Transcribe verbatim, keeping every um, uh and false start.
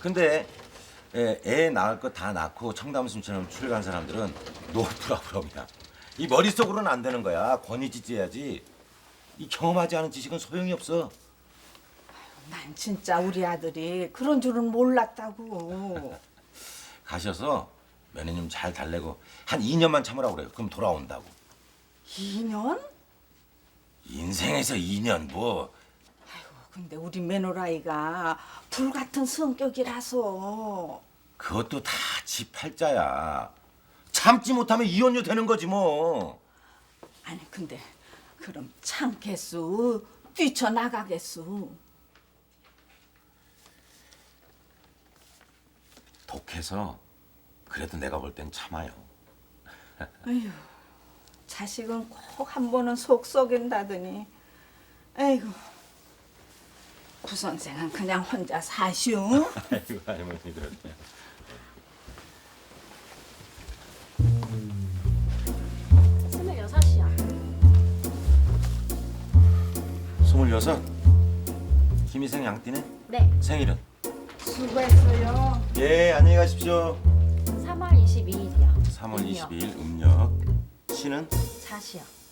근데 애, 애 낳을 거 다 낳고 청담순처럼 출간 사람들은 노프라브럼이야. 이 머릿속으로는 안 되는 거야. 권위지지해야지. 이 경험하지 않은 지식은 소용이 없어. 난 진짜 우리 아들이 그런 줄은 몰랐다고. 가셔서 며느님 잘 달래고 한 이 년만 참으라고 그래요. 그럼 돌아온다고. 이 년? 인생에서 이 년 뭐. 근데 우리 며느라이가 불같은 성격이라서. 그것도 다 지 팔자야. 참지 못하면 이혼녀 되는 거지 뭐. 아니 근데 그럼 참겠수? 뛰쳐나가겠수? 독해서 그래도 내가 볼 땐 참아요. 에휴, 자식은 꼭 한 번은 속 썩인다더니. 에이구, 구 선생은 그냥 혼자 사시오. 아이고 할머니 그렇네. 스물여섯이요. 스물여섯. 김희생 양띠네. 네, 생일은? 수고했어요. 예, 안녕히 가십시오. 삼월 이십이일이요. 삼월 이십이일 음력. 시는? 자시요.